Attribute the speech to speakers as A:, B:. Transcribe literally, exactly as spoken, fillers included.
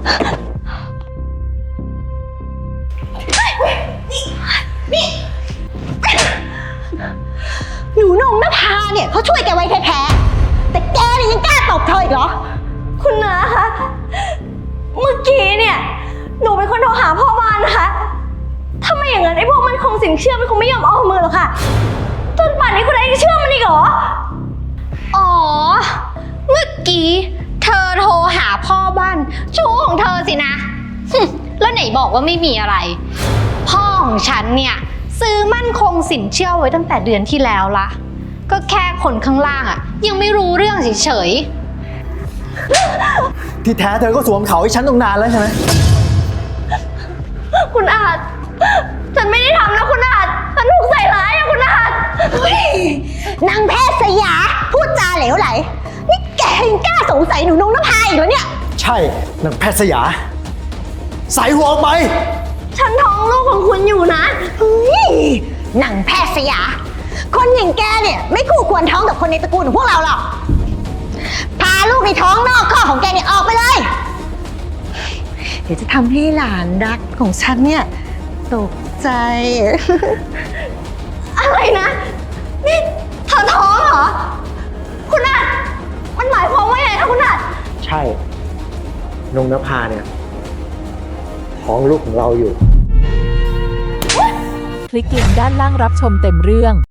A: นี่หนูนงนภาเนี่ยเขาช่วยแกไว้แท้ๆแต่แกเนี่ยยังกล้าตบเธออีกเหรอ
B: คุณน้าคะเมื่อกี้เนี่ยหนูเป็นคนโทรหาพ่อบ้านนะคะถ้าไม่อย่างนั้นไอ้พวกมันคงสินเชื่อมันคงไม่ยอมออกมือหรอกค่ะจนป่านนี้คุณน้ายังเชื่อมันอีกเหรอ
C: อ๋อเมื่อกี้เธอโทรหาพ่อบ้านชู้ของเธอสินะแล้วไหนบอกว่าไม่มีอะไรพ่อของฉันเนี่ยซื้อมั่นคงสินเชื่อไว้ตั้งแต่เดือนที่แล้วละก็แค่คนข้างล่างอะยังไม่รู้เรื่องเฉย
D: ๆที่แท้เธอก็สวมเขาให้ฉันตรงนานแล้วใช่ไหม
B: คุณอาจฉันไม่ได้ทำนะคุณอาจฉันถูกใส่ร้ายอะคุณอาจ
A: นางแพทย์สยาพูดจาเหลวไหลนี่แกยังกล้าสงสัยหนูนงนภาอีกเหรอเนี่ย
D: ใช่นางแพทย์สยาใส่หัวออกไป
B: ฉันท้องลูกของคุณอยู่นะ
A: เฮ้ยนางแพทย์สยาคนอย่างแกเนี่ยไม่คู่ควรท้องกับคนในตระกูลของพวกเราหรอกพาลูกในท้องนอกข้อของแกเนี่ยออกไปเลยเดี๋ยวจะทำให้หลานรักของฉันเนี่ยตกใจ
B: อะไรนะนี่เธอท้องเหรอคุณอาจมันหมายความว่าไงคะคุณอาจ
D: ใช่นงนภาเนี่ยท้องลูกของเราอยู่
E: คลิกลิงก์ด้านล่างรับชมเต็มเรื่อง